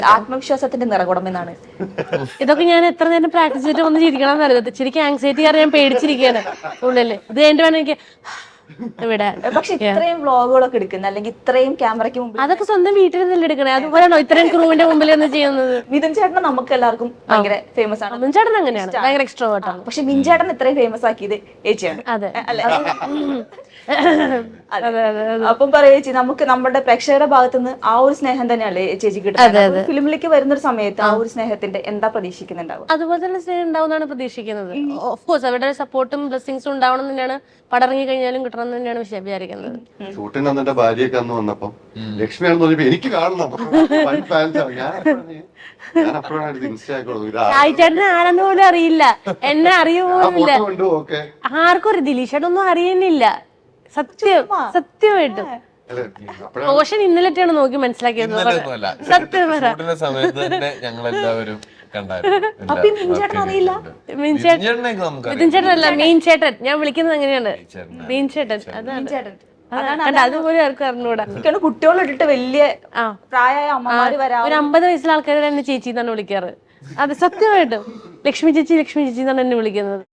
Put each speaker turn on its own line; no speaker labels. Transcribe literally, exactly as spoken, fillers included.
ആത്മവിശ്വാസത്തിന്റെ നിറകുടം എന്നാണ്.
ഇതൊക്കെ ഞാൻ എത്ര നേരം പ്രാക്ടീസ് ചെയ്തിട്ട് ഒന്ന് ചിരിക്കണം എന്നറിയാം. ശരിക്കും ആങ്സൈറ്റി കാരണം ഞാൻ പേടിച്ചിരിക്കുകയാണ് ഉള്ളില്. ഇത് കഴിഞ്ഞിട്ട് വേണം എനിക്ക് ഇവിടെ.
പക്ഷെ ഇത്രയും വ്ളോഗുകളൊക്കെ എടുക്കുന്ന അല്ലെങ്കിൽ ഇത്രയും ക്യാമറയ്ക്ക് മുമ്പിൽ
അതൊക്കെ സ്വന്തം വീട്ടിൽ നിന്നല്ലേ എടുക്കണേ. അതുപോലെയാണോ ഇത്രയും ക്രൂവിന്റെ മുമ്പിൽ നിന്ന് ചെയ്യുന്നത്?
മിഥുൻ ചേട്ടൻ നമുക്ക് എല്ലാവർക്കും ഭയങ്കര ഫേമസ് ആണ്.
മിഥുൻ ചേട്ടൻ അങ്ങനെയാണ്, ഭയങ്കര എക്സ്ട്രോവേർട്ട് ആണ്.
പക്ഷെ മിഥുൻ ചേട്ടൻ ഇത്രയും ഫേമസ് ആക്കിയത് ഏച്ചിയാണ്.
അതെ
അല്ലെ?
അതെ അതെ.
അപ്പം പറയാ ചേച്ചി, നമുക്ക് നമ്മുടെ പ്രേക്ഷകരുടെ ഭാഗത്തുനിന്ന് ആ ഒരു സ്നേഹം തന്നെയല്ലേ ചേച്ചി കിട്ടുന്നത്. ഫിലിമിലേക്ക് വരുന്ന ഒരു സമയത്ത് ആ ഒരു സ്നേഹത്തിന്റെ എന്താ പ്രതീക്ഷിക്കുന്നുണ്ടാവും?
അതുപോലെ തന്നെ സ്നേഹം ഉണ്ടാവുന്നതാണ് പ്രതീക്ഷിക്കുന്നത്. ഓഫ് കോഴ്സ് അവരുടെ സപ്പോർട്ടും ബ്ലെസ്സിങ്സും ഉണ്ടാവണം തന്നെയാണ്. പടറങ്ങി കഴിഞ്ഞാലും കിട്ടണം എന്ന് തന്നെയാണ് വിചാരിക്കുന്നത്.
ഷൂട്ടിന് അന്നെ ഭാര്യയൊക്കെ അന്ന് വന്നപ്പം ലക്ഷ്മിയാണെന്ന് പറഞ്ഞപ്പോ എനിക്ക് കാണണം. ഞാൻ അപ്പോഴാണ്
ചേട്ടന് ആരെന്ന് പോലും അറിയില്ല, എന്നെ അറിയുപോലുമില്ല,
ഓക്കെ
ആർക്കും ഒരു ദിലീഷേട്ടൊന്നും അറിയുന്നില്ല. സത്യം സത്യമായിട്ടും റോഷൻ ഇന്നലെയാണ് നോക്കി മനസ്സിലാക്കിയത്. സത്യം
ഷൂട്ടിന്റെ സമയത്ത് തന്നെ ഞങ്ങൾ എല്ലാവരും
അപ്പൊ ഈ മിഥുൻ ചേട്ടൻ അറിയില്ല?
മിഥുൻ ചേട്ടനല്ല, മീൻ ചേട്ടൻ. ഞാൻ വിളിക്കുന്നത് അങ്ങനെയാണ്, മീൻ ചേട്ടൻ. അതാണ്, അതുപോലെ ആർക്കും അറിഞ്ഞൂടാ.
കുട്ടികളിട്ടിട്ട് വലിയ പ്രായമായ അമ്മമാര് വരാം.
ഒരു അമ്പത് വയസ്സിലെ ആൾക്കാർ എന്നെ ചേച്ചി എന്നാണ് വിളിക്കാറ്. അത് സത്യമായിട്ടും ലക്ഷ്മി ചേച്ചി ലക്ഷ്മി ചേച്ചി എന്നാണ് എന്നെ വിളിക്കുന്നത്.